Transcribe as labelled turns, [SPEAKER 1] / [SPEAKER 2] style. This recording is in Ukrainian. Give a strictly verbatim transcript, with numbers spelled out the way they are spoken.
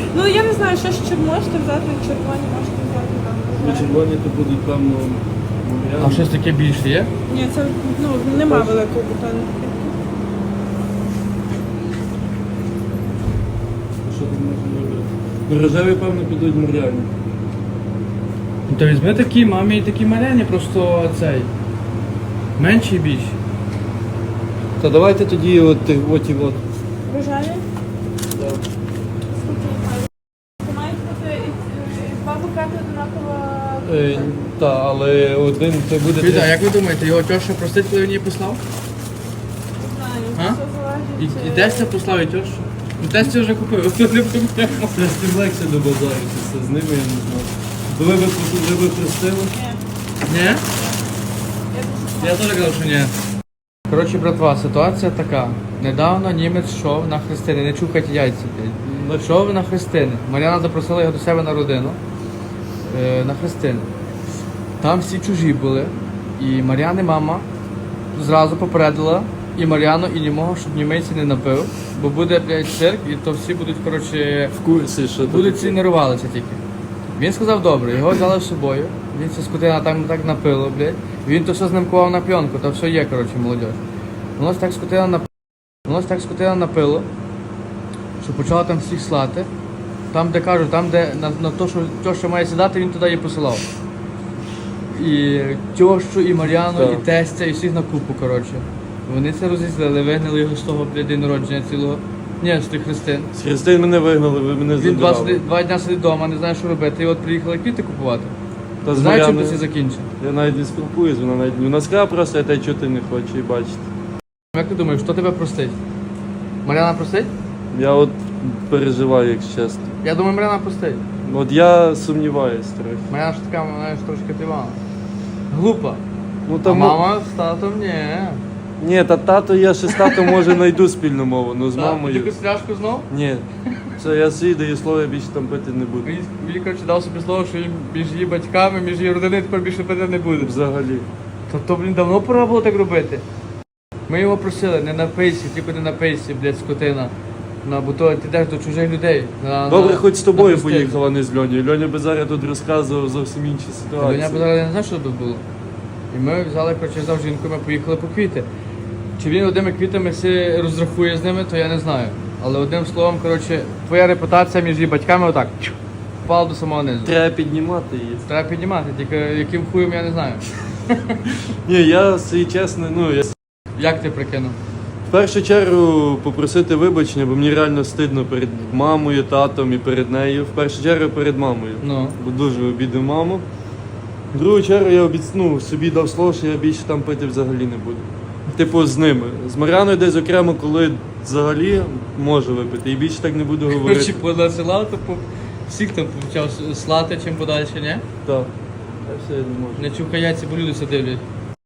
[SPEAKER 1] Ну я не знаю, що ще можете взяти, червоні можете взяти там.
[SPEAKER 2] Ну, червоні то будуть, певно,
[SPEAKER 3] А щось таке більше є?
[SPEAKER 1] Ні, це ну, нема великого бутону.
[SPEAKER 2] що там можна робити? Ну, рожеві, певно, підуть моряні.
[SPEAKER 3] Ну то візьми такі, мамі і такі маленькі, просто цей. Менші і більші.
[SPEAKER 2] Та давайте тоді от тих от і от.
[SPEAKER 1] Рожеві?
[SPEAKER 2] Да.
[SPEAKER 1] Це мають бути і два букети однаково.
[SPEAKER 2] Е, та, але один це буде...
[SPEAKER 3] Віда, як ви думаєте, його тьоша простить, коли він її послав?
[SPEAKER 1] Не знаю,
[SPEAKER 3] А?
[SPEAKER 1] все залежить.
[SPEAKER 3] І, і Тестя послав і тьошу? Ну Тестя вже купив, ось тут не проблема.
[SPEAKER 2] Це з тим легше добазаритися, з ними я не знаю. То ви б ви б простили?
[SPEAKER 1] Ні.
[SPEAKER 3] Ні? Я теж казав, що ні. Коротше, братва, ситуація така. Недавно німець йшов на хрестини, не чухайте яйця. блядь. Йшов на хрестини. Мар'яна запросила його до себе на родину. Е, на хрестини. Там всі чужі були. І Мар'яни мама зразу попередила і Мар'яну, і німого, щоб німейці не напив. Бо буде, блядь, цирк, і то всі будуть, коротше,
[SPEAKER 2] В курсі, що
[SPEAKER 3] будуть
[SPEAKER 2] таке.
[SPEAKER 3] ці нервувалися тільки. Він сказав добре, його взяли з собою. Він ця скотина там так напило, блядь. Він то все знімкував на пленку, то все є, коротше, молодь. Воно ж так скотина на воно ж так скотина напило, що почала там всіх слати. Там, де кажу, там, де на, на то, що тьоща має сідати, він туди її посилав. І тьощу, і Мар'яну,
[SPEAKER 2] Так.
[SPEAKER 3] і тестя, і всіх на купу, коротше. Вони це розізлили, вигнали його з того, блядь, день народження цілого. Ні, з тих хрестин.
[SPEAKER 2] З Христин мене вигнали, ви мене
[SPEAKER 3] Він два,
[SPEAKER 2] забирали.
[SPEAKER 3] сиди- два дня сидить вдома, не знає, що робити. І от приїхали квіти купувати.
[SPEAKER 2] Та з
[SPEAKER 3] Знаєш, чим це
[SPEAKER 2] Мар'яною
[SPEAKER 3] все закінчить?
[SPEAKER 2] я навіть не спілкуюсь, вона навіть... Вона сказала просто, я тебе чути не хочу і бачити.
[SPEAKER 3] Як ти думаєш, хто тебе простить? Мар'яна простить?
[SPEAKER 2] Я от переживаю, якщо чесно.
[SPEAKER 3] Я думаю, Мар'яна простить.
[SPEAKER 2] От я сумніваюсь трохи.
[SPEAKER 3] Мар'яна ж така, вона ж трошки тивана. Глупа.
[SPEAKER 2] Ну,
[SPEAKER 3] А
[SPEAKER 2] там,
[SPEAKER 3] мама з татом ні.
[SPEAKER 2] Ні, та тато, я ще з татом може знайду спільну мову, ну з
[SPEAKER 3] Так,
[SPEAKER 2] мамою.
[SPEAKER 3] Тільки пляшку знов?
[SPEAKER 2] Ні. Це я свій даю слово, я більше там пити не буду.
[SPEAKER 3] Він, він коротше, дав собі слово, що він між її батьками, між її родиною тепер більше пити не буде.
[SPEAKER 2] Взагалі.
[SPEAKER 3] Тобто, блін, давно пора було так робити. Ми його просили, не напийся, тільки не напийся, блядь, скотина. На, бо то ти йдеш до чужих людей. На,
[SPEAKER 2] Добре,
[SPEAKER 3] на,
[SPEAKER 2] хоч з
[SPEAKER 3] на
[SPEAKER 2] тобою
[SPEAKER 3] хрестини.
[SPEAKER 2] поїхала, а не з Льонею. Льоня би зараз тут розказував зовсім інші
[SPEAKER 3] Та
[SPEAKER 2] ситуації.
[SPEAKER 3] Я б зараз не знаю, що тут було. І ми взяли, коротше, взяв жінку, ми поїхали по квіти. Чи він одними квітами всі розрахує з ними, то я не знаю. Але одним словом, коротше, твоя репутація між її батьками отак чух, впала до самого низу.
[SPEAKER 2] Треба піднімати її.
[SPEAKER 3] Треба піднімати, тільки яким хуєм я не знаю.
[SPEAKER 2] Ні, я свій чесно, ну я
[SPEAKER 3] Як ти прикинув?
[SPEAKER 2] в першу чергу попросити вибачення, бо мені реально стидно перед мамою, татом і перед нею. В першу чергу перед мамою.
[SPEAKER 3] Ну.
[SPEAKER 2] Бо дуже обідав маму. В другу чергу я обіц... ну, собі дав слово, що я більше там пити взагалі не буду. Типу з ними. З Мар'яною десь окремо, коли взагалі можу випити. І більше так не буду
[SPEAKER 3] Коротше,
[SPEAKER 2] говорити.
[SPEAKER 3] понасилав, то по... всіх там почав слати чим подальше, ні?
[SPEAKER 2] Так. Та все, я не можу.
[SPEAKER 3] Не чухай яйця, бо люди все дивлять.